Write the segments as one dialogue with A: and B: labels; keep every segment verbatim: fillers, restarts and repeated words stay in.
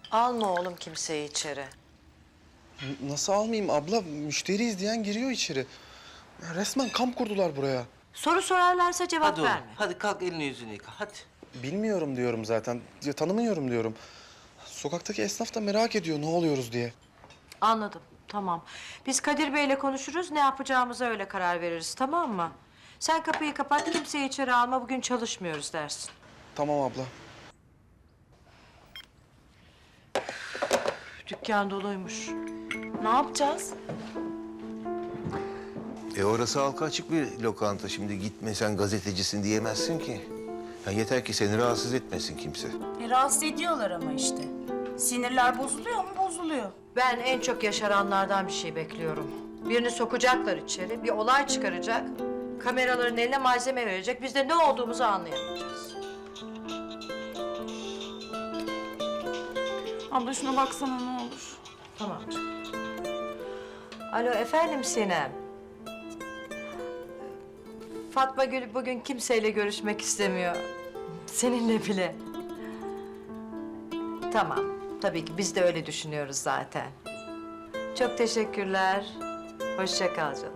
A: Alma oğlum kimseyi içeri.
B: N- Nasıl almayayım abla? Müşteri izleyen giriyor içeri. Ya resmen kamp kurdular buraya.
A: Soru sorarlarsa cevap
C: Hadi oğlum,
A: verme.
C: hadi kalk elini yüzünü yıka, hadi.
B: Bilmiyorum diyorum zaten. Ya, tanımıyorum diyorum. Sokaktaki esnaf da merak ediyor ne oluyoruz diye.
A: Anladım, tamam. Biz Kadir Bey'le konuşuruz, ne yapacağımıza öyle karar veririz, tamam mı? Sen kapıyı kapat, kimseyi içeri alma, bugün çalışmıyoruz dersin.
B: Tamam abla.
A: Dükkan doluymuş.
D: Ne yapacağız?
E: E orası halka açık bir lokanta. Şimdi gitme sen gazetecisin diyemezsin ki. Ya yeter ki seni rahatsız etmesin kimse.
D: E, rahatsız ediyorlar ama işte. Sinirler bozuluyor mu? Bozuluyor.
A: Ben en çok yaşaranlardan bir şey bekliyorum. Birini sokacaklar içeri, bir olay çıkaracak. Kameraların eline malzeme verecek, biz de ne olduğumuzu anlayamayacağız.
D: Abla şuna baksana ne olur.
A: Tamam canım. Alo, efendim Sinem. Fatma Gül bugün kimseyle görüşmek istemiyor. Seninle bile. Tamam, tabii ki biz de öyle düşünüyoruz zaten. Çok teşekkürler. Hoşça kal canım.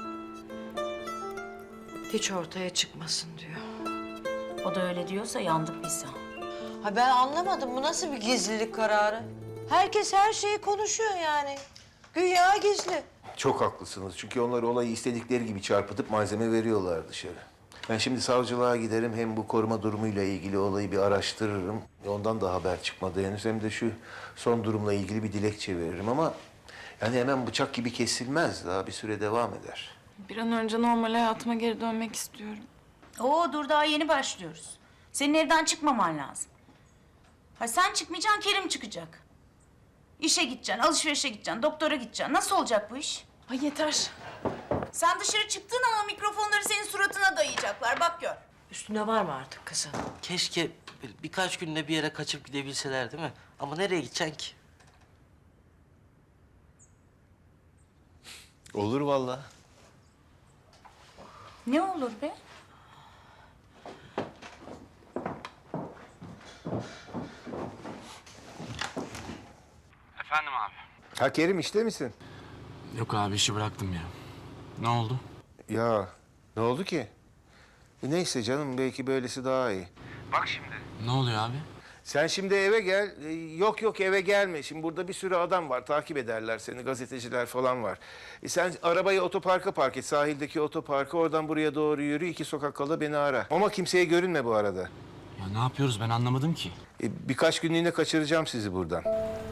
A: Hiç ortaya çıkmasın diyor.
D: O da öyle diyorsa yandık biz ya.
A: Ha ben anlamadım, bu nasıl bir gizlilik kararı? Herkes her şeyi konuşuyor yani. Güya gizli.
E: Çok haklısınız çünkü onlar olayı istedikleri gibi çarpıtıp malzeme veriyorlar dışarı. Ben şimdi savcılığa giderim, hem bu koruma durumuyla ilgili olayı bir araştırırım. Ondan da haber çıkmadı henüz, hem de şu son durumla ilgili bir dilekçe veririm ama... yani hemen bıçak gibi kesilmez, daha bir süre devam eder.
F: Bir an önce normal hayatıma geri dönmek istiyorum.
D: Oo dur daha yeni başlıyoruz. Senin evden çıkmaman lazım. Ha sen çıkmayacaksın, Kerim çıkacak. İşe gideceksin, alışverişe gideceksin, doktora gideceksin. Nasıl olacak bu iş?
F: Ay yeter.
D: Sen dışarı çıktığın ama mikrofonları senin suratına dayayacaklar. Bak gör.
A: Üstünde var mı artık kızın?
C: Keşke böyle birkaç günde bir yere kaçıp gidebilseler değil mi? Ama nereye gideceksin ki?
E: Olur vallahi.
D: Ne olur be?
G: Efendim abi.
E: Ha Kerim, işte misin?
G: Yok abi, işi bıraktım ya. Ne oldu?
E: Ya ne oldu ki? E, neyse canım, belki böylesi daha iyi. Bak şimdi.
G: Ne oluyor abi?
E: Sen şimdi eve gel. Ee, Yok yok, eve gelme. Şimdi burada bir sürü adam var. Takip ederler seni. Gazeteciler falan var. E sen arabayı otoparka park et. Sahildeki otoparka. Oradan buraya doğru yürü. İki sokak kala beni ara. Ama kimseye görünme bu arada.
G: Ya ne yapıyoruz, ben anlamadım ki.
E: E, birkaç günlüğüne kaçıracağım sizi buradan.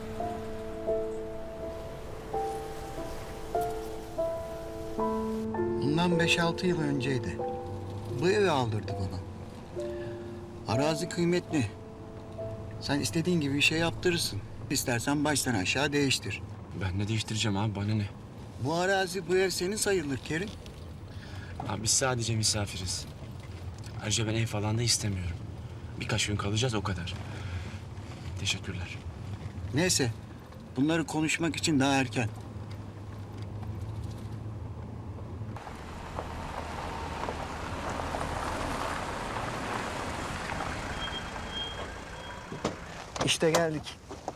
H: Bundan beş altı yıl önceydi. Bu evi aldırdı bana. Arazi kıymetli. Sen istediğin gibi bir şey yaptırırsın. İstersen baştan aşağı değiştir.
G: Ben ne değiştireceğim abi, bana ne?
H: Bu arazi, bu ev senin sayılır Kerim.
G: Abi biz sadece misafiriz. Ayrıca ben ev falan da istemiyorum. Birkaç gün kalacağız, o kadar. Teşekkürler.
H: Neyse, bunları konuşmak için daha erken. İşte geldik.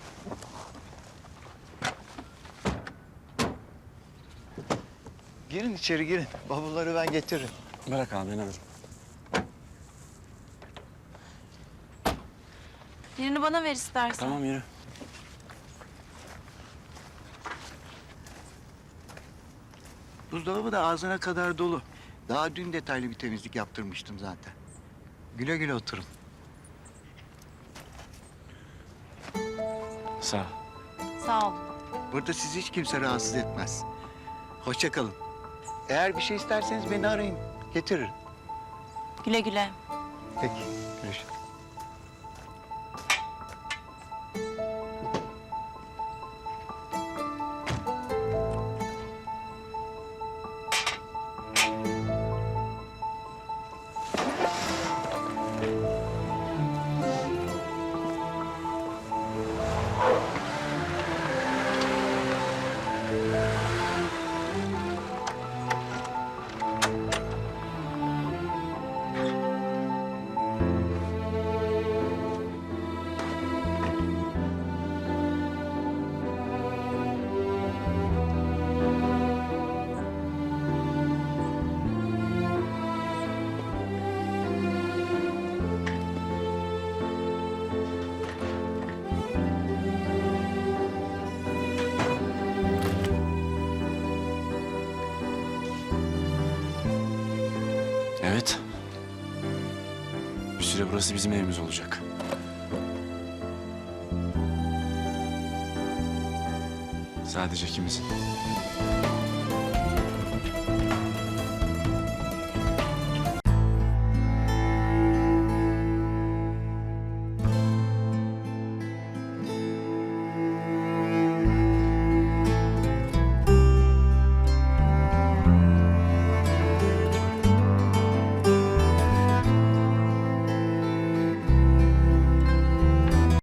H: Girin içeri girin. Bavulları ben getiririm.
G: Bırak abi, ben alırım.
F: Birini bana ver istersen.
G: Tamam, yürü.
H: Buzdolabı da ağzına kadar dolu. Daha dün detaylı bir temizlik yaptırmıştım zaten. Güle güle oturun.
G: Sağ ol.
F: Sağ ol.
H: Burada sizi hiç kimse rahatsız etmez. Hoşça kalın. Eğer bir şey isterseniz beni arayın. Getiririm.
D: Güle güle.
H: Peki. Görüşürüz.
G: Bir süre burası bizim evimiz olacak. Sadece ikimizin.